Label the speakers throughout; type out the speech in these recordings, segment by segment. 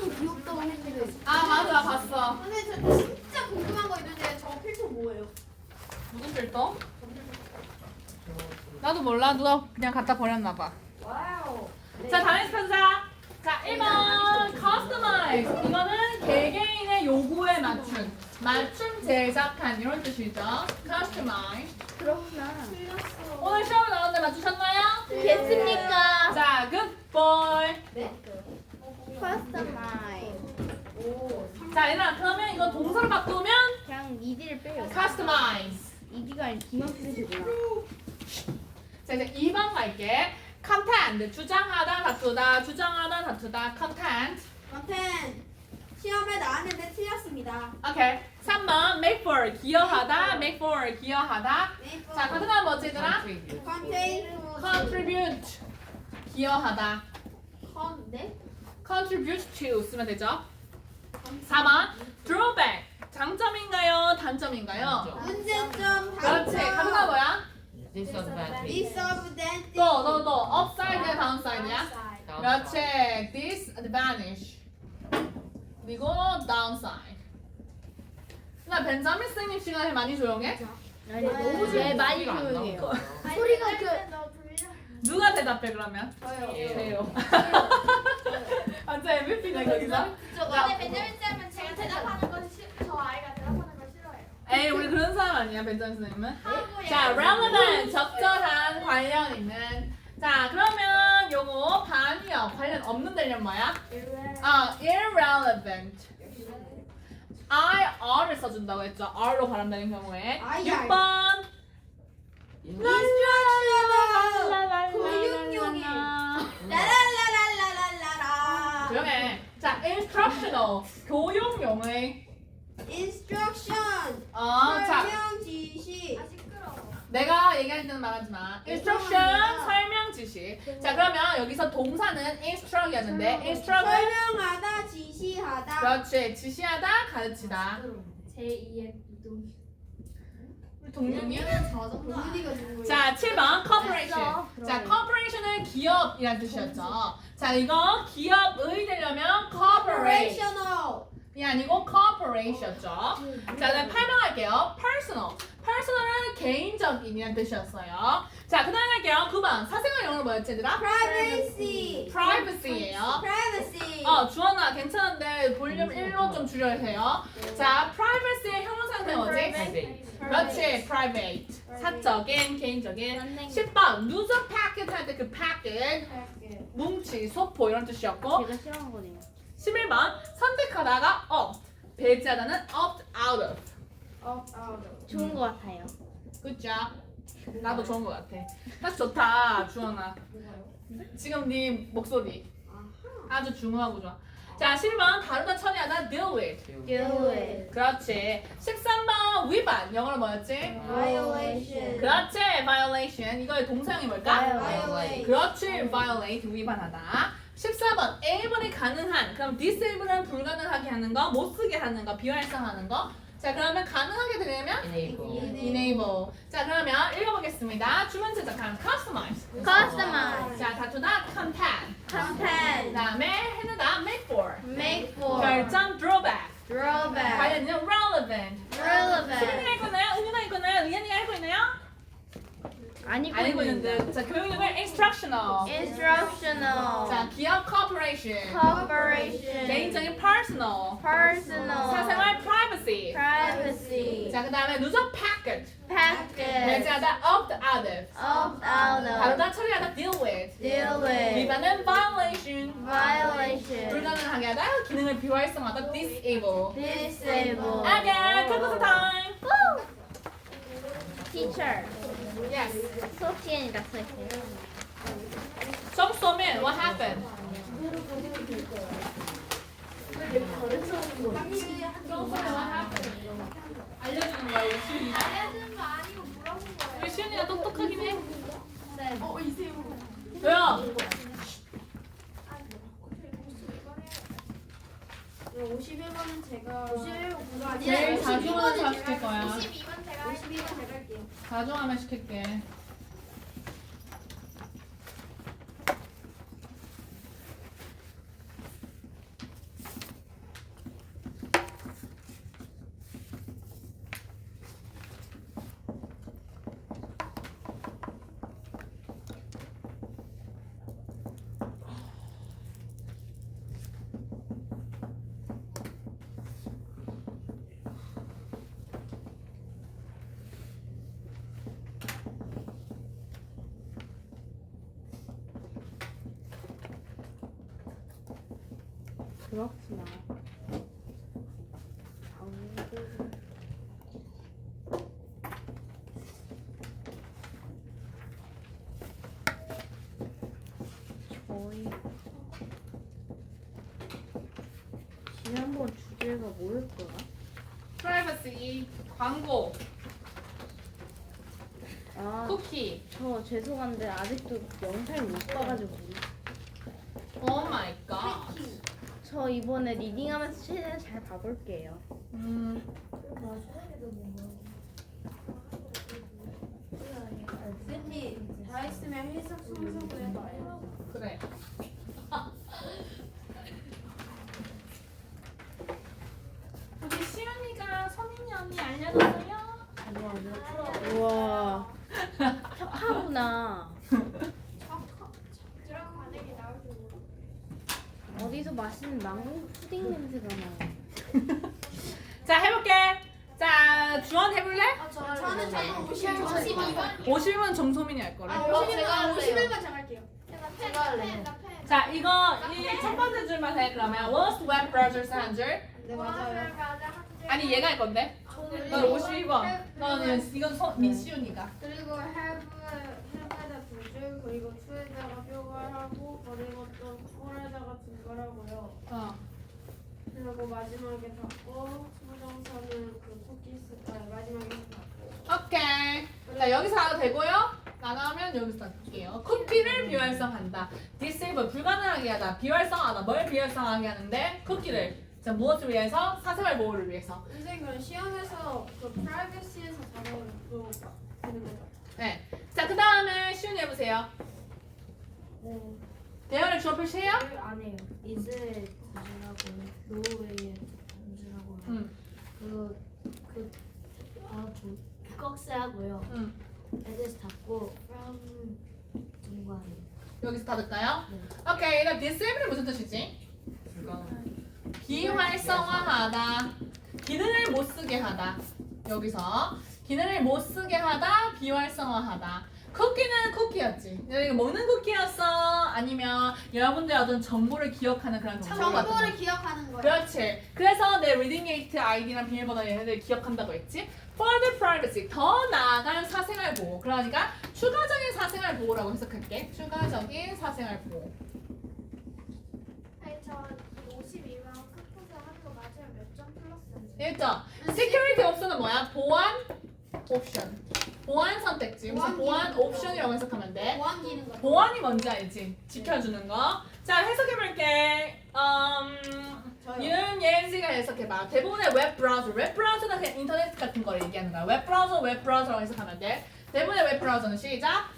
Speaker 1: 엄청 귀엽다고 했는데.
Speaker 2: 아 맞아 봤어.
Speaker 1: 근데 저 진짜 궁금한 거 있는데 저 필터 뭐예요?
Speaker 2: 무슨 필터? 나도 몰라. 누가 그냥 갖다 버렸나 봐.
Speaker 1: 와우.
Speaker 2: 자 다음 편사. 자 1번 customize. 이거는 개개인의 요구에 맞춤 제작한 이런 뜻이죠. customize.
Speaker 1: 그렇구나.
Speaker 2: 오늘 시험에 나왔는데 맞추셨나요?
Speaker 1: 됐습니까?
Speaker 2: 자 good boy.
Speaker 1: 네. 커스터마이즈. 오.
Speaker 2: 자 얘들아 그러면 이거 동사를 바꾸면
Speaker 1: 그냥 이디를 빼요.
Speaker 2: customize.
Speaker 1: 이디가 아니라 기막스이구나.
Speaker 2: 자 이제 2번 갈게. content 주장하다 다투다 주장하다 다투다 content.
Speaker 1: 컨텐 시험에 나왔는데 틀렸습니다.
Speaker 2: 오케이. 3번 make for 기여하다 make for 기여하다. 자 같은 건 뭐지 얘들아?
Speaker 1: 컨테인
Speaker 2: contribute 기여하다.
Speaker 1: 네?
Speaker 2: contribute to 쓰면 되죠. 4번 drawback 장점인가요 단점인가요?
Speaker 1: 문제점
Speaker 2: 그렇지. 같은 건 뭐야?
Speaker 1: disadvantage.
Speaker 2: 또 upside야 downside야? 그렇지. disadvantage. 그리고 downside. 나 벤자민 선생님 시간에 많이 조용해?
Speaker 1: 아니 너무 네, 많이 조용해요. 소리가
Speaker 2: 누가 대답해 그러면?
Speaker 1: 저요.
Speaker 2: 제요. 완전 MVP네 거기서.
Speaker 1: 근데 벤자민 쌤은 제가 대답하는 건 저 아이가 대답하는 걸 싫어해요.
Speaker 2: 에이 우리 그런 사람 아니야 벤자민 선생님은.
Speaker 1: 한국에
Speaker 2: 자 relevant 적절한 관련 있는. 자 그러면 요거 반이요 관련 없는 대련 뭐야? irrelevant. R을 써준다고 했죠. R로 발음되는 경우에.
Speaker 1: IR.
Speaker 2: 6번.
Speaker 1: 인스트럭셔널 교육용이 라라라라라라라.
Speaker 2: 조용해. 자, instructional 교육용의.
Speaker 1: 인스트럭션
Speaker 2: 자,
Speaker 1: 설명 지시.
Speaker 2: 내가 얘기할 때는 말하지 마. instruction 설명 지시. 자, 그러면 여기서 동사는 instruct이었는데 instruct을
Speaker 1: 설명하다 지시하다.
Speaker 2: 그렇지. 지시하다, 가르치다.
Speaker 1: 제2의 이동.
Speaker 2: 우리 동료님.
Speaker 1: 동윤이가 누구예요?
Speaker 2: 자, 7번 corporation. 자, corporation은 기업이라는 뜻이었죠. 자, 이거 기업의 되려면 corporation.
Speaker 1: Operational.
Speaker 2: 이 아니고 corporation이었죠. 자, 그다음 8번 할게요. personal. personal은 개인적인이라는 뜻이었어요. 자, 그다음 할게요. 9번. 사생활 영어로 뭐였지, 얘들아?
Speaker 1: Privacy.
Speaker 2: privacy예요.
Speaker 1: Privacy.
Speaker 2: 주원아, 괜찮은데 볼륨 1로 좀 줄여야 해요. 자, privacy의 형용사는 뭐지? 그렇지, private. 사적인, 개인적인. 10번. lose a packet 할 때 그 packet. 뭉치, 소포 이런 뜻이었고.
Speaker 1: 제가 싫어하는 거네요.
Speaker 2: 11번. 선택하다가 opt. 배제하다는 opt out of.
Speaker 1: 좋은 거 같아요.
Speaker 2: 그죠? 나도 좋은 것 같아. 딱 좋다, 주원아. 지금 네 목소리 아주 중후하고 좋아. 자, 12번 다루다 처리하다 deal with.
Speaker 1: Do it.
Speaker 2: 그렇지. 13번 위반. 영어로 뭐였지?
Speaker 1: Violation.
Speaker 2: 그렇지. violation. 이거의 동사형이 뭘까?
Speaker 1: Violate.
Speaker 2: 그렇지. violate. 위반하다. 14번 A분이 가능한. 그럼 disable은 불가능하게 하는 거, 못 쓰게 하는 거, 비활성하는 거. 자, 그러면 가능하게 되려면 enable. 자, 그러면 읽어보겠습니다. 주문 제작한 customize.
Speaker 1: Customize.
Speaker 2: 자, 다투다 content.
Speaker 1: Content.
Speaker 2: 그다음에 해내다 make for.
Speaker 1: Make for.
Speaker 2: 결정 drawback.
Speaker 1: Drawback.
Speaker 2: 관련은 relevant. 수빈이가
Speaker 1: Relevant.
Speaker 2: 읽고 있나요? 은유가 읽고 있나요? 의연이가 읽고 있나요? 안 읽고 있는데. 자, 교육용을 instructional.
Speaker 1: Instructional.
Speaker 2: 자, 기업 corporation.
Speaker 1: Corporation.
Speaker 2: 개인적인 personal.
Speaker 1: Personal.
Speaker 2: 사생활 privacy.
Speaker 1: Privacy.
Speaker 2: 자, 그다음에 누적 packet.
Speaker 1: Packet.
Speaker 2: 배제하다 opt out of.
Speaker 1: Opt out of.
Speaker 2: 다루다 처리하다 deal with.
Speaker 1: Deal with.
Speaker 2: 위반은 violation.
Speaker 1: Violation.
Speaker 2: 불가능하게 하다 기능을 비활성하다 disable.
Speaker 1: Disable.
Speaker 2: Okay, quiz time.
Speaker 1: Teacher.
Speaker 2: Yes.
Speaker 1: 수업 시간이다 수업 시간.
Speaker 2: 점수 쏘면 what happened? 점수 쏘면 what happened? 알려주는 거야 우리 시윤이가?
Speaker 1: 알려주는 거 아니고 물어본 거예요.
Speaker 2: 우리 시윤이가 똑똑하긴 해.
Speaker 1: 네. 이세요.
Speaker 2: 왜요?
Speaker 1: 51번은 제가 51번 아니라
Speaker 2: 제일 자중하는 사 시킬 거야.
Speaker 1: 52번 제가 52번 제가 할게요.
Speaker 2: 자중하면 시킬게.
Speaker 3: 그렇구나. 저희 지난번 주제가 뭐였더라?
Speaker 2: 프라이버시, 광고,
Speaker 3: 아,
Speaker 2: 쿠키.
Speaker 3: 저 죄송한데 아직도 영상을 못 봐가지고.
Speaker 2: 오 마이 갓.
Speaker 3: 저 이번에 리딩하면서 최대한 잘 봐볼게요.
Speaker 1: 샌디 다 했으면 일석삼석을 해봐요.
Speaker 2: 그래. 우리 시연이가 서민이 언니 알려줬어요.
Speaker 3: 우와, 착하구나.
Speaker 1: 드럼 만약에 나올 줄 모르.
Speaker 3: 어디서 맛있는 망고 푸딩 냄새가 나.
Speaker 2: 자 해볼게. 자 주원 해볼래?
Speaker 1: 저는 52번.
Speaker 2: 50은 정소민이 할 거래.
Speaker 1: 제가 51번 정할게요. 제가 할래요.
Speaker 2: 자 이거 이 첫 번째 줄만 해 그러면. What's web browser 한 줄?
Speaker 1: 네 맞아요.
Speaker 2: 아니 얘가 할 건데. 넌 52번. 너는 이건 민시윤이가.
Speaker 1: 그리고 have에다 두 줄, 그리고 to에다가 표괄하고, 그리고 또 for에다가 증가하고요. 그리고 마지막에 닫고, 수정사는 그 쿠키스, 마지막에 닫고.
Speaker 2: 오케이. 자 여기서 하도 되고요. 나가면 여기서 할게요. 쿠키를 비활성한다. disable 불가능하게 하다. 비활성하다. 뭘 비활성하게 하는데? 쿠키를. 자 무엇을 위해서? 사생활 보호를 위해서.
Speaker 1: 선생님 그럼 시험에서 그 프라이버시에서 작업을 또 되는 거죠?
Speaker 2: 네. 자 그 다음에 시윤이 해보세요. 대열을 주어 표시해요?
Speaker 4: 안 해요. 이즈에 던지라고 노웨이에 던지라고 꺽쇠 하고요. 에드스 닫고 from 중간에
Speaker 2: 여기서 닫을까요?
Speaker 4: 네.
Speaker 2: 오케이. 그럼 disable이 무슨 뜻이지? 비활성화하다. 기능을 못 쓰게 하다. 여기서 기능을 못 쓰게 하다. 비활성화하다. 쿠키는 쿠키였지. 이거 먹는 쿠키였어? 아니면 여러분들 어떤 정보를 기억하는 그런 창고 같은 거?
Speaker 1: 정보를 기억하는 거예요.
Speaker 2: 그렇지. 그래서 내 리딩게이트 아이디랑 비밀번호 얘네들 기억한다고 했지. Further privacy, 더 나아간 사생활 보호. 그러니까 추가적인 사생활 보호라고 해석할게. 추가적인 사생활 보호.
Speaker 1: 아니 저 52번 크푸드 하는 거 맞으면 몇 점 플러스인지.
Speaker 2: 1점. Security 옵션은 뭐야? 보안 옵션. 보안 선택지. 무슨 보안 옵션이라고 해석하면 돼.
Speaker 1: 보안 기능 같은
Speaker 2: 보안이 뭔지 알지? 지켜주는 거. 자, 해석해볼게. 윤예은씨가 해석해봐. 대부분의 웹 브라우저는 그냥 인터넷 같은 걸 얘기하는 거야. 웹 브라우저라고 해석하면 돼. 대부분의 웹 브라우저는 시작.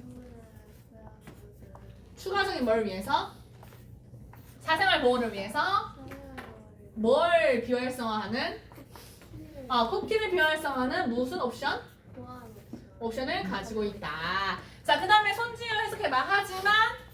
Speaker 2: 추가적인 뭘 위해서? 사생활 보호를 위해서 뭘 비활성화하는? 쿠키를 비활성화하는 무슨 옵션? 옵션을 가지고 있다. 자, 그 다음에 손지우 해석해봐. 하지만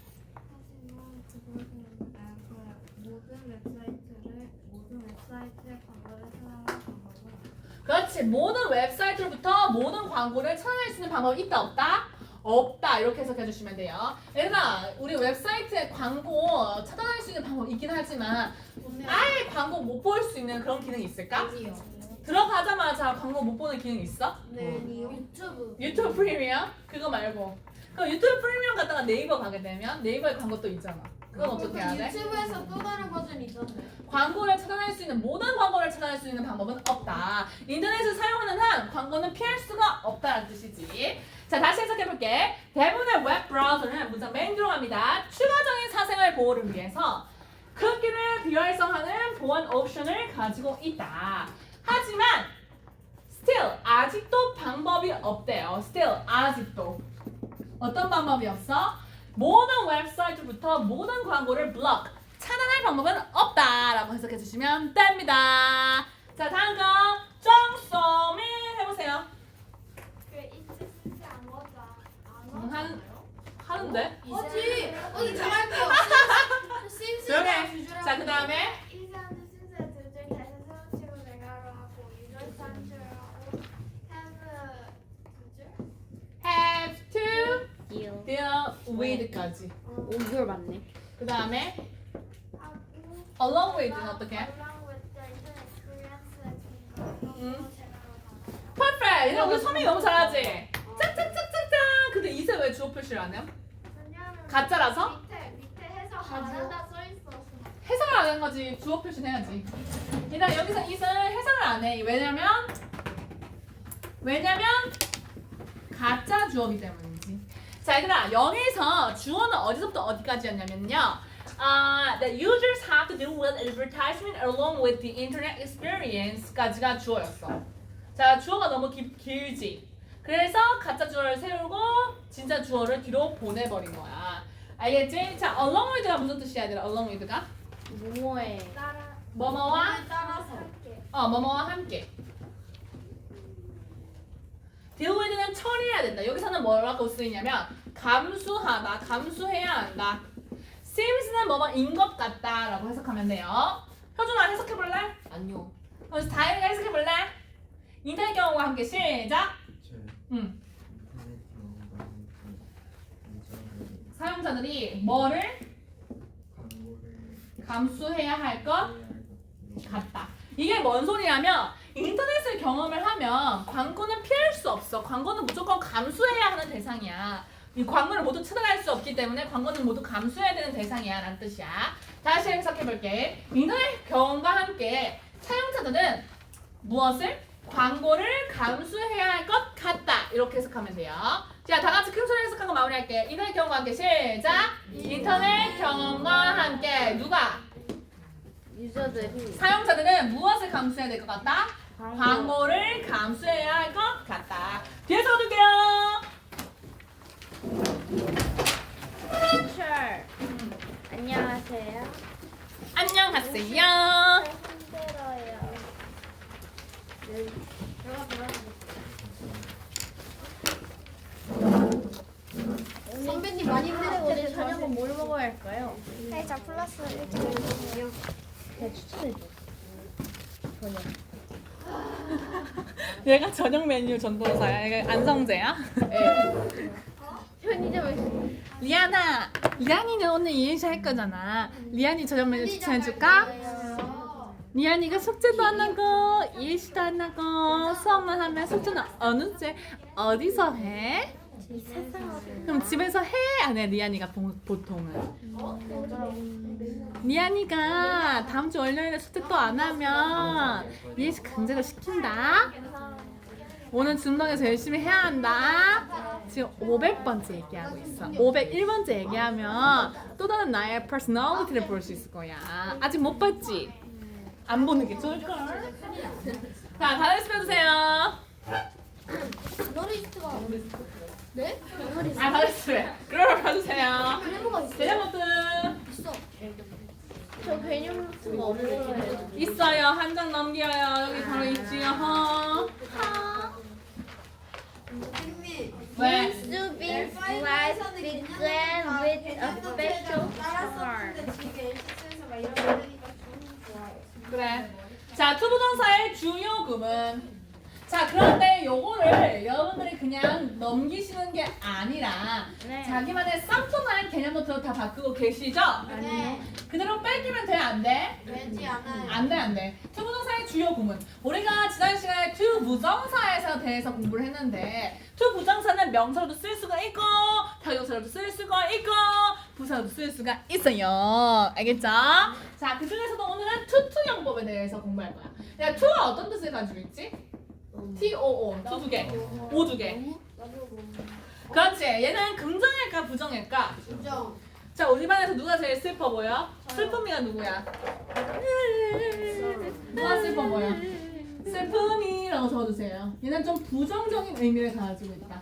Speaker 1: 모든 웹사이트에 광고를 사용하는 방법은
Speaker 2: 그렇지. 모든 웹사이트로부터 모든 광고를 찾아낼 수 있는 방법이 있다 없다? 없다. 이렇게 해석해 주시면 돼요. 얘들아, 우리 웹사이트에 광고 찾아낼 수 있는 방법이 있긴 하지만 아예 광고 못 볼 수 있는 그런 기능이 있을까? 들어가자마자 광고 못 보는 기능 있어?
Speaker 1: 네, 유튜브.
Speaker 2: 유튜브 프리미엄? 그거 말고. 그럼 유튜브 프리미엄 갔다가 네이버 가게 되면 네이버에 광고 또 있잖아. 그건 어떻게 해야 돼?
Speaker 1: 유튜브에서 또 다른 버전이 있던데.
Speaker 2: 광고를 찾아낼 수 있는 모든 광고를 찾아낼 수 있는 방법은 없다. 인터넷을 사용하는 한 광고는 피할 수가 없다는 뜻이지. 자, 다시 해석해볼게. 대부분의 웹 브라우저는 문장 맨 들어갑니다. 추가적인 사생활 보호를 위해서 쿠키를 비활성하는 보안 옵션을 가지고 있다. 하지만 still 아직도 방법이 없대요. still 아직도 어떤 방법이 없어? 모든 웹사이트부터 모든 광고를 블록 차단할 방법은 없다라고 해석해 주시면 됩니다. 자, 다음 거 정소민 해보세요.
Speaker 1: 그 인체 신세 안 하죠?
Speaker 2: 하는데?
Speaker 1: 어디? 어디 정할게요.
Speaker 2: 조용해. 자, 그 다음에
Speaker 1: 이사는 신세 두줄 다시 세우치고 내가로 하고 유절 산줄하고 have 두 줄.
Speaker 2: have to
Speaker 3: deal.
Speaker 2: deal with까지.
Speaker 3: 5개월 맞네.
Speaker 2: 그 다음에
Speaker 1: 하고
Speaker 2: along with는 어떻게?
Speaker 1: Along with the internet Korean
Speaker 2: perfect. 얘들아 우리 서민이 너무 잘하지? 짝짝짝짝짝. 근데 이세 왜 주어 표시를 안 해요?
Speaker 1: 왜냐하면
Speaker 2: 가짜라서?
Speaker 1: 밑에 해석 안 한다 써 있어서.
Speaker 2: 해석을 안 한 거지. 주어 표시는 해야지. 얘들아 여기서 이슬 해석을 안 해. 왜냐면 가짜 주어기 때문이지. 자 얘들아 여기서 주어는 어디서부터 어디까지였냐면요. The users have to deal with advertisement along with the internet experience까지가 주어였어. 자 주어가 너무 길지. 그래서 가짜 주어를 세우고 진짜 주어를 뒤로 보내버린 거야. 알겠지? 자 along with가 무슨 뜻이야 얘들아? along with가?
Speaker 3: 뭐해?
Speaker 1: 따라
Speaker 2: 뭐뭐와
Speaker 1: 따라서 할게.
Speaker 2: 뭐뭐와 함께. deal with는 처리해야 된다. 여기서는 뭐라고 쓰이냐면 감수하다, 감수해야 한다. seems는 뭐뭐인 것 같다라고 해석하면 돼요. 효준아 해석해볼래?
Speaker 5: 아니요.
Speaker 2: 그래서 다혜가 해석해볼래? 인터넷 경험과 함께 시작. 응. 사용자들이 뭐를 감수해야 할 것 같다. 이게 뭔 소리냐면 인터넷을 경험을 하면 광고는 피할 수 없어. 광고는 무조건 감수해야 하는 대상이야. 이 광고를 모두 차단할 수 없기 때문에 광고는 모두 감수해야 되는 대상이야 라는 뜻이야. 다시 해석해볼게. 인터넷 경험과 함께 사용자들은 무엇을? 광고를 감수해야 할 것 같다. 이렇게 해석하면 돼요. 자, 다 같이 큰 소리 해석하고 마무리할게. 인터넷 경험과 함께 시작! 인터넷 경험과 함께 누가?
Speaker 3: 유저들이
Speaker 2: 사용자들은 무엇을 감수해야 될 것 같다? 광고를 감수해야 할 것 같다. 뒤에서 얻을게요.
Speaker 3: teacher. 안녕하세요.
Speaker 2: 안녕하세요.
Speaker 3: 힘들어요.
Speaker 4: 선배님 많이
Speaker 3: 근데 오늘 저녁은 뭘 먹어야 할까요?
Speaker 1: 자 플러스 1점.
Speaker 3: 네, 추천해줘. 저녁.
Speaker 2: 얘가 저녁 메뉴 전도사야. 얘가 안성재야.
Speaker 3: 편의점에서
Speaker 2: 리안아, 리안이는 오늘 이행시 할 거잖아. 리안이 저녁 메뉴 추천해줄까? 리안이가 숙제도 안 하고 이행시도 안 하고 수업만 하면 숙제는 어느 때 어디서 해? 그럼 집에서 해? 안 해? 리안이가 보통은. 리안이가 다음 주 월요일에 숙제 또 안 하면 이행시 강제로 시킨다. 오늘 준동에서 열심히 해야 한다. 지금 500번째 얘기하고 있어. 501번째 얘기하면 또 다른 나의 퍼스널리티를 볼 수 있을 거야. 아직 못 봤지? 안 보는 게 좋을걸. 자, 다른 연습 해주세요.
Speaker 4: 너리스트가
Speaker 1: 네?
Speaker 2: 아, 다른 연습 해. 그걸 봐주세요.
Speaker 4: 메모가 있어.
Speaker 2: 대장부터
Speaker 4: 있어.
Speaker 3: 저 개념수가 없어요.
Speaker 2: 있어요. 한 장 넘겨요. 여기 바로 있지요.
Speaker 4: 선생님.
Speaker 2: 왜?
Speaker 3: To be sliced began with a special form.
Speaker 1: 지금 LCS에서 막 이런 거 하니까 좀 좋아요.
Speaker 2: 그래. 자, 투부정사의 주요 구문. 자, 그런데 요거를 여러분들이 그냥 넘기시는 게 아니라
Speaker 3: 네.
Speaker 2: 자기만의 쌈통한 개념부터 다 바꾸고 계시죠?
Speaker 1: 네.
Speaker 2: 그대로 뺏기면 돼, 안 돼?
Speaker 1: 되지 않아요.
Speaker 2: 안 돼, 안 돼. 투부정사의 주요 구문. 우리가 지난 시간에 투부정사에 대해서 공부를 했는데 투부정사는 명사로도 쓸 수가 있고 타격사로도 쓸 수가 있고 부사로도 쓸 수가 있어요. 알겠죠? 자, 그 중에서도 오늘은 투투용법에 대해서 공부할 거야. 야, 투가 어떤 뜻을 가지고 있지? T-O-O, 투 두 개, 오 두 개. 그렇지. 얘는 긍정일까 부정일까?
Speaker 1: 부정.
Speaker 2: 자, 우리 반에서 누가 제일 슬퍼 보여? 슬픔이가 누구야? 누가 슬퍼 보여? 슬픔이라고 적어주세요. 얘는 좀 부정적인 의미를 가지고 있다.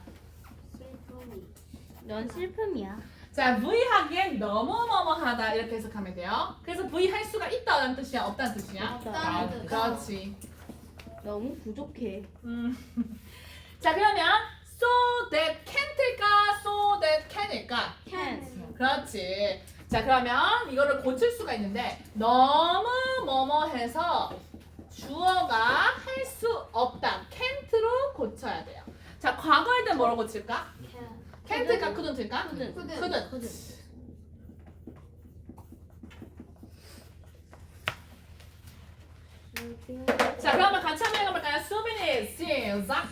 Speaker 3: 넌 슬픔이야.
Speaker 2: 자, V 하기엔 너무너무하다 이렇게 해석하면 돼요. 그래서 V 할 수가 있다는 뜻이야, 없다는 뜻이야?
Speaker 1: 없다는 뜻.
Speaker 2: 그렇지.
Speaker 3: 너무 부족해.
Speaker 2: 자, 그러면 so that can't일까, so that can일까?
Speaker 3: Can't.
Speaker 2: 그렇지. 자, 그러면 이거를 고칠 수가 있는데 너무 뭐뭐해서 주어가 할 수 없다. can't로 고쳐야 돼요. 자, 과거일 때 뭐로 고칠까? can't일까, couldn't일까?
Speaker 3: couldn't.
Speaker 2: couldn't. 자, 그러면 같이 한번 읽어볼까요? 수빈이 시작.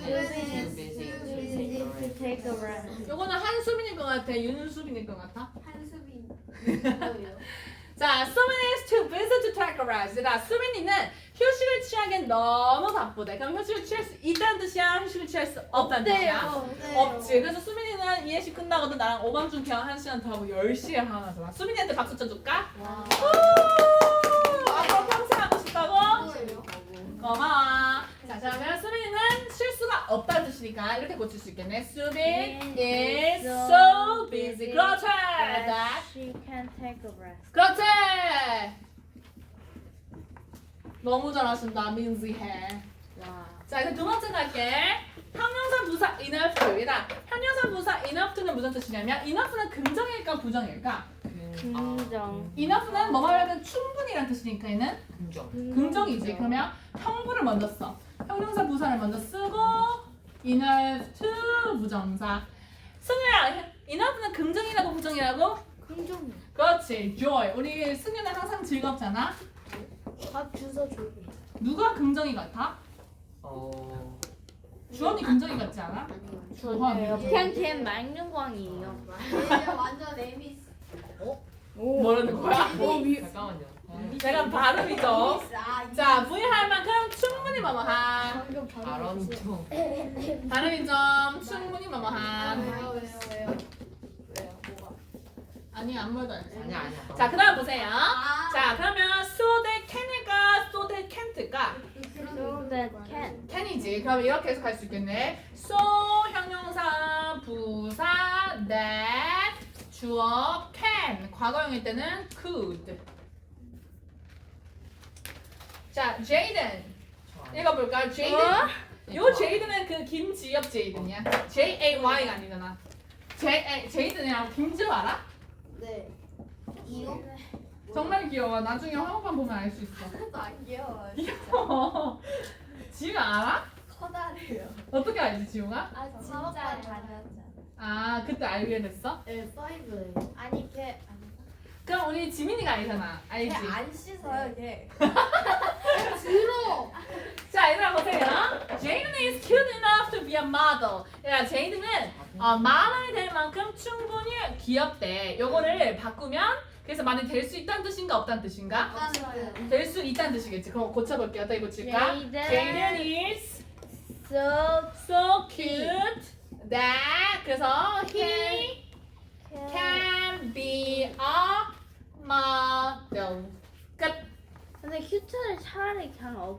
Speaker 3: Take a rest.
Speaker 2: 요거는 한수빈일 것 같아? 윤수빈일 것 같아?
Speaker 4: 한수빈.
Speaker 2: 자, 수빈이 is too busy to take a rest. 자, 수빈이는 휴식을 취하기엔 너무 바쁘대. 그럼 휴식을 취할 수 있다는 뜻이야? 휴식을 취할 수 없다는 뜻이야? 없지. 그래서 수빈이는 이해식 끝나고도 나랑 오밤중 그냥 1시간 더 하고 10시에 하나 잖아. 수빈이한테 박수 쳐줄까? 앞으로 평생 하고 싶다고? 고마워. 자, 그러면 수빈이는 실수가 없다는 뜻이니까 이렇게 고칠 수 있겠네. 수빈 is so busy. 그렇지.
Speaker 3: That she can take a rest.
Speaker 2: 그렇지. 너무 잘하신다, 민지해.
Speaker 3: 와.
Speaker 2: 자, 이제 두 번째 갈게. 형용사 부사 enough to이다. 형용사 부사 enough to는 무슨 뜻이냐면 enough는 긍정일까 부정일까?
Speaker 3: 긍정.
Speaker 2: enough는 뭐뭐 하면 충분히란 뜻이니까 얘는 긍정이지. 그러면 형부를 먼저 써. 형용사 부사를 먼저 쓰고 enough to 부정사. 승우야, enough는 긍정이라고 부정이라고?
Speaker 3: 긍정.
Speaker 2: 그렇지, joy. 우리 승우는 항상 즐겁잖아.
Speaker 4: 밥 주소 줘.
Speaker 2: 누가 긍정이 같아? 주원이 긍정이 같지 않아?
Speaker 3: 저요. 그냥 제 맹룡광이에요.
Speaker 4: 완전 에미스.
Speaker 2: 뭐라는 거야?
Speaker 5: 잠깐만요.
Speaker 2: 내가 발음이죠. 자, V 할 만큼 충분히 뭐뭐한.
Speaker 4: 방금
Speaker 5: 발언 좀.
Speaker 2: 발음이 좀 충분히 뭐뭐한.
Speaker 4: 왜요? 왜요? 뭐가?
Speaker 2: 아니, 아무 말도 안 했어.
Speaker 5: 아니야.
Speaker 2: 자, 그 다음 보세요.
Speaker 4: 아.
Speaker 2: 자, 그러면 so they can일까? so they can't일까?
Speaker 3: So that can.
Speaker 2: can이지. 그럼 이렇게 해서 갈 수 있겠네. so 형용사 부사 that 주어 can 과거형일 때는 could. 자, Jaden 읽어볼까? Jaden. 요 제이든은 그 김지엽 제이든이야. J-A-Y가 아니잖아. 제이든이랑 김지엽 알아?
Speaker 4: 네. 이거?
Speaker 2: 정말 귀여워. 나중에 화보판 보면 알 수 있어.
Speaker 4: 하나도 안 귀여워.
Speaker 2: 귀여워. 지우가 알아?
Speaker 4: 커다래요.
Speaker 2: 어떻게 알지, 지우가?
Speaker 1: 아 진짜 다녔잖아.
Speaker 2: 아, 그때 알게 됐어?
Speaker 4: 네, 5.
Speaker 1: 아니 걔
Speaker 2: 그럼 우리 지민이가 알잖아. 알지?
Speaker 1: 안 씻어요 걔.
Speaker 4: 들어.
Speaker 2: 자, 얘들아 보세요. Jaden is cute enough to be a model. 야, 제이든은 모델이 될 만큼 충분히 귀엽대. 요거를 바꾸면 그래서 많이 될 수 있다는 뜻인가 없다는 뜻인가? 될 수 있다는 뜻이겠지. 그럼 고쳐볼게요. 어떻게 고칠까? Jaden is so cute that 그래서 he can be a model. 끝.
Speaker 3: 근데 큐트를 차라리 그냥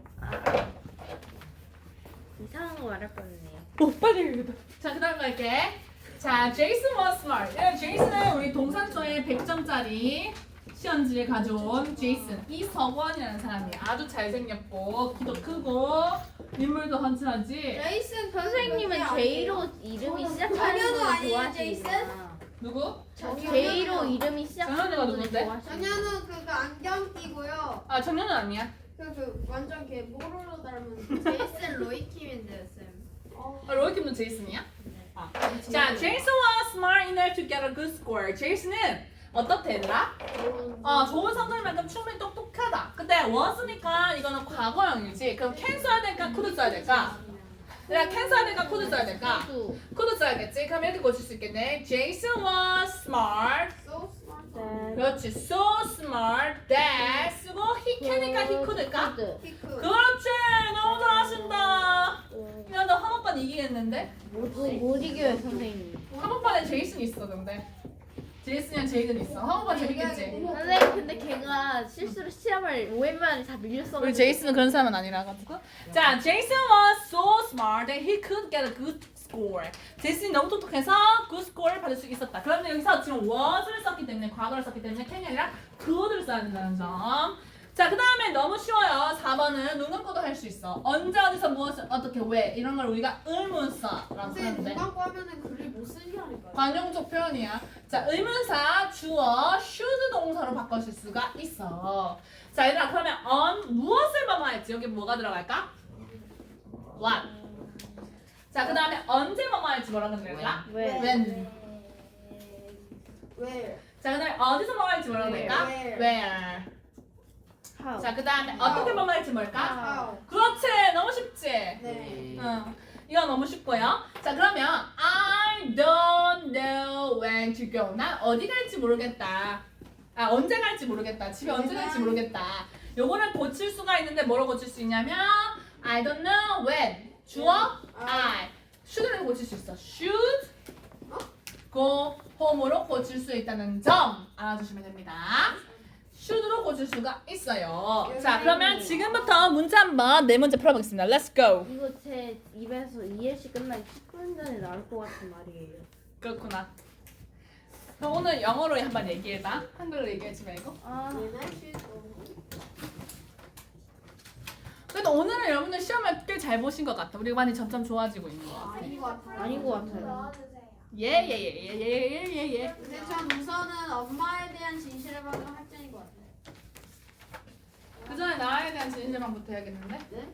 Speaker 3: 이상한 거 말할 뻔했네요.
Speaker 2: 오, 빨리 읽어다. 자, 그 다음 갈게. 자, Jason was smart. 제이슨은 우리 동산서에 100점짜리 시험지를 가져온 제이슨. 이석원이라는 사람이 아주 잘생겼고 키도 크고 인물도 헌칠하지.
Speaker 4: 제이슨
Speaker 3: 선생님은 J로 이름이 시작하는
Speaker 4: 정현우
Speaker 3: 걸
Speaker 4: 아니에요,
Speaker 3: 좋아하시는구나.
Speaker 2: 누구?
Speaker 3: J로 이름이 시작하는
Speaker 2: 정현우가
Speaker 3: 걸
Speaker 2: 누군데?
Speaker 3: 좋아하시는.
Speaker 4: 정현우 그 안경 끼고요.
Speaker 2: 아, 정연은 아니야.
Speaker 4: 그 완전 걔 모로로 닮은 제이슨 로이킴인데요, 쌤.
Speaker 2: 로이킴도 제이슨이야? 아. 자, Jason was smart enough to get a good score. 제이슨은 어떻대 얘들아? 좋은 성적만큼 충분히 똑똑하다. 근데 was니까 이거는 과거형이지. 그럼 can 써야 될까? could 써야 될까? 내가 can 써야 될까? could 써야 될까? could 써야겠지. 그럼 이렇게 고칠 수 있겠네. Jason was smart.
Speaker 4: So smart.
Speaker 2: 그렇지. So smart that 쓰고 he can일까? he could일까?
Speaker 4: 피크.
Speaker 2: 그렇지. 너무 잘하신다. 야, 너 한번반 이기겠는데?
Speaker 3: 못 이겨요 선생님.
Speaker 2: 한번반에 제이슨 있어 근데. 제이슨이랑 제이든 있어. 한번반 재밌겠지?
Speaker 3: 선생님 근데 걔가 실수로 시험을 5회 만에 다 밀렸어.
Speaker 2: 우리 제이슨은 그런 사람은 아니라 가지고. 자, Jason was so smart that he could get a good score. 제이슨이 너무 똑똑해서 good score를 받을 수 있었다. 그런데 여기서 지금 was를 썼기 때문에 과거를 썼기 때문에 can이 아니라 could를 써야 된다는 점. 자, 그 다음에 너무 쉬워요. 4번은 눈 감고도 할 수 있어. 언제 어디서 무엇을 어떻게 왜 이런 걸 우리가 의문사라고
Speaker 4: 선생님
Speaker 2: 하는데
Speaker 4: 눈 감고 하면은 글을 못 쓰시라니까요.
Speaker 2: 관용적 표현이야. 자, 의문사 주어 should 동사로 바꿔줄 수가 있어. 자, 얘들아 그러면 무엇을 뭐뭐했지? 여기 뭐가 들어갈까? what. 자, 그 다음에 언제 뭐뭐할지 뭐라고 들어갈까?
Speaker 3: 왜?
Speaker 2: when.
Speaker 4: 왜?
Speaker 2: 자, 그 다음에 어디서 뭐뭐할지 뭐라고
Speaker 4: Where.
Speaker 2: 될까? where.
Speaker 3: How?
Speaker 2: 자, 그 다음에 어떻게 번갈지 뭘까?
Speaker 4: 아,
Speaker 2: 그렇지, 너무 쉽지?
Speaker 4: 네.
Speaker 2: 응. 이거 너무 쉽고요. 자, 그러면 I don't know when to go. 난 어디 갈지 모르겠다. 아, 언제 갈지 모르겠다. 집에 언제 갈지 모르겠다. 요거를 고칠 수가 있는데 뭐로 고칠 수 있냐면 I don't know when. 주어 I. should를 고칠 수 있어. should go home으로 고칠 수 있다는 점 알아주시면 됩니다. should로 고칠 수가 있어요. 자, 그러면 지금부터 문제 한번 네 문제 풀어보겠습니다. Let's go.
Speaker 3: 이거 제 입에서 이해시 끝나기 10분 전에 나올 것 같은 말이에요.
Speaker 2: 그렇구나. 그럼 오늘 영어로 한번 얘기해봐. 한글로 얘기하지 말고.
Speaker 3: 아,
Speaker 2: 그래도 오늘은 여러분들 시험을 꽤 잘 보신 것 같아. 우리 많이 점점 좋아지고 있는 것 같아.
Speaker 4: 아닌 것 같아요.
Speaker 3: 아닌 것 같아요.
Speaker 1: 넣어주세요.
Speaker 2: 예예예예예예예.
Speaker 4: 근데 전 우선은 엄마에 대한 진실을 받으면 학생인 것 같아요.
Speaker 2: 그 전에 나에 대한 진실만부터 해야겠는데?
Speaker 4: 네?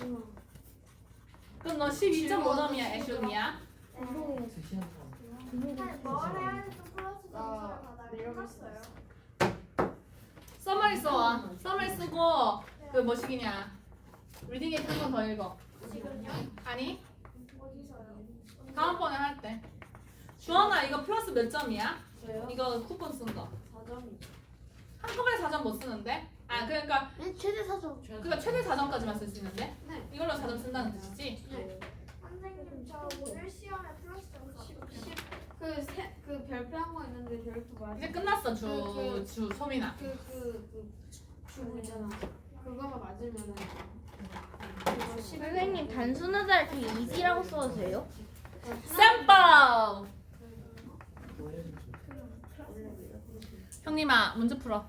Speaker 2: 그럼 너 12.5점이야, 애쇼니야?
Speaker 5: 수시한 사람.
Speaker 1: 뭘 해야 될지 플러스 점수를
Speaker 4: 나
Speaker 1: 받아야
Speaker 4: 내려갈 수
Speaker 1: 끝났어요.
Speaker 2: 써머리 써와. 써머리 쓰고 그 뭐시기냐? 리딩 에이트 한번 더 읽어.
Speaker 1: 지금요?
Speaker 2: 아니?
Speaker 1: 어디서요?
Speaker 2: 다음번에 할 때. 주원아 이거 플러스 몇 점이야?
Speaker 4: 저요?
Speaker 2: 이거 쿠폰 쓴 거.
Speaker 4: 4점이죠.
Speaker 2: 한꺼번에 4점 못 쓰는데? 아 그러니까
Speaker 3: 네, 최대 4점.
Speaker 2: 그러니까 최대 4점까지만 쓸 수 있는데?
Speaker 4: 네.
Speaker 2: 이걸로 4점 쓴다는 뜻이지?
Speaker 4: 네.
Speaker 1: 선생님 저 오늘 시험에 플러스 점수 어떻게
Speaker 4: 그 별표한 거 있는데 별표 맞아.
Speaker 2: 이제 끝났어 주 소민아.
Speaker 4: 주부 있잖아. 그거만 맞으면은.
Speaker 3: 선생님 단순하다 할 때 easy라고 써도 돼요?
Speaker 2: 샘플! 형님아 문제 풀어.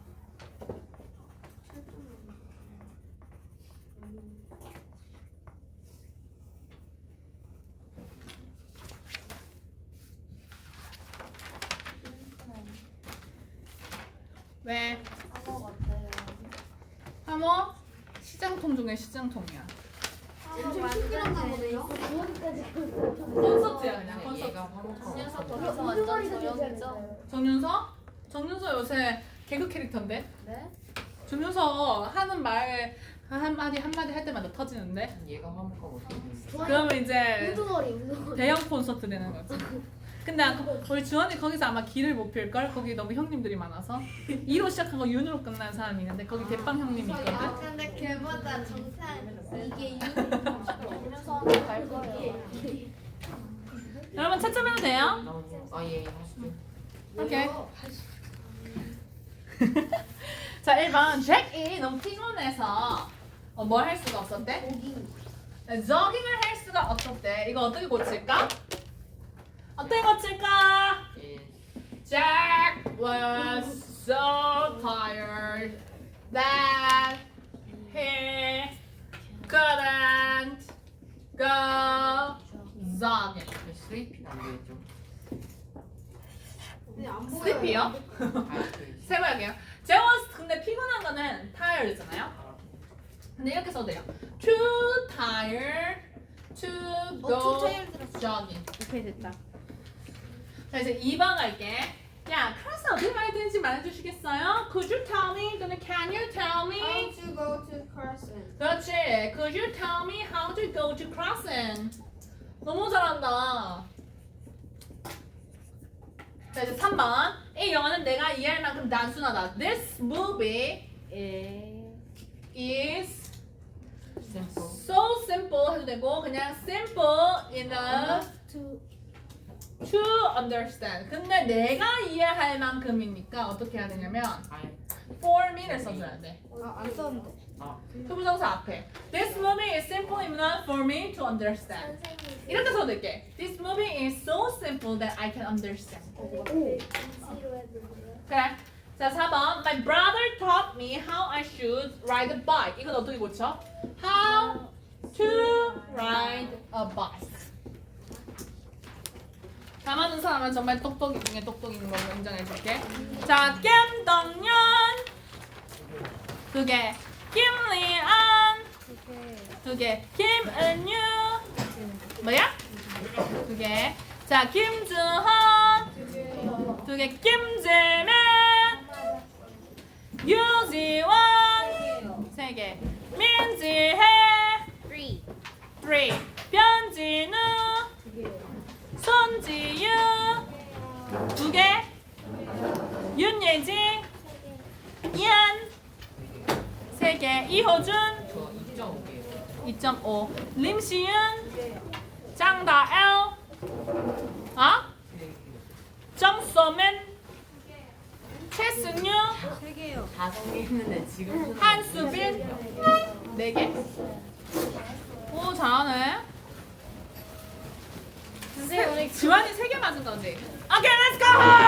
Speaker 2: 왜?
Speaker 1: 한거 같아요.
Speaker 2: 하모? 시장통 중에 시장통이야.
Speaker 4: 엄청 시끄럽나 보네요.
Speaker 2: 콘서트야 그냥 콘서트.
Speaker 5: 얘가 화목하고.
Speaker 1: 그래서 완전 조용이죠?
Speaker 2: 정윤서? 정윤서 요새 개그 캐릭터인데?
Speaker 1: 네?
Speaker 2: 정윤서 하는 말 한마디 할 때마다 터지는데?
Speaker 5: 얘가 화목하고 어떻게 되는
Speaker 2: 그러면 이제
Speaker 1: 우두머리 우두머리.
Speaker 2: 대형 콘서트 되는 거지. 근데 우리 주원이 거기서 아마 길을 못 필걸? 거기 너무 형님들이 많아서 2로 시작한 거 윤으로 끝난 사람이 있는데 거기 대빵 형님이 있거든?
Speaker 4: 근데 걔보다 정상 이게
Speaker 1: 그래서 갈 거예요.
Speaker 2: 여러분 채점해도 돼요?
Speaker 5: 아예 하시죠.
Speaker 2: 오케이. 자 1번 잭이 너무 피곤해서 뭘 할 수가 없었대? 조깅을 할 수가 없었대. 이거 어떻게 고칠까? 어떻게 고칠까? Jack was so tired that he couldn't go jogging.
Speaker 5: 슬리핑 안 되겠죠?
Speaker 4: 근데 안 보여요.
Speaker 2: 슬리피요?
Speaker 5: 아,
Speaker 2: 세봐야게요. Jack was 근데 피곤한 거는 tired잖아요. 근데 이렇게 써도 돼요. Too tired to go jogging.
Speaker 3: 오케이 됐다.
Speaker 2: 자 이제 2번 갈게. 야, 클래스 어떻게 가야 되는지 말해주시겠어요? Could you tell me? 또는 Can you tell
Speaker 4: How
Speaker 2: me?
Speaker 4: to go to Carson.
Speaker 2: 그렇지. Could you tell me how to go to Crossing? 너무 잘한다. 자 이제 3번. 이 영화는 내가 이해할 만큼 단순하다. This movie is
Speaker 5: simple.
Speaker 2: so simple 해도 되고 그냥 simple enough to understand. 근데 내가 이해할 만큼이니까 어떻게 해야 되냐면
Speaker 5: 아예.
Speaker 2: for me를 써줘야 돼.
Speaker 4: 안 썼는데.
Speaker 2: 투부정사 앞에. This movie is simple enough for me to understand.
Speaker 1: 선생님
Speaker 2: 이렇게 써도 될게. This movie is so simple that I can understand.
Speaker 1: 진시로 해주세요.
Speaker 2: 그래. 자 4번. My brother taught me how I should ride a bike. 이건 어떻게 고쳐? How to ride a bike. 다 맞는 사람은 정말 똑똑이 중에 똑똑인 걸로 인정해줄게. 자, 겜덕년 2개, 김리안 2개, 김은유 뭐야? 2개. 자, 김주헌 2개, 김재민 유지원 4개. 민지혜
Speaker 3: 3.
Speaker 2: 3. 변진우 손지유 2개. 윤예진 이한 3개. 이호준
Speaker 5: 저 2.5개요.
Speaker 2: 2.5. 림시윤 장다엘 정소맨 최승유
Speaker 5: 5개 했는데 지금
Speaker 2: 한수빈 4개. 오 잘하네.
Speaker 3: 선생님 오늘
Speaker 2: 지환이 3개 맞은 건데. 오케이 렛츠고.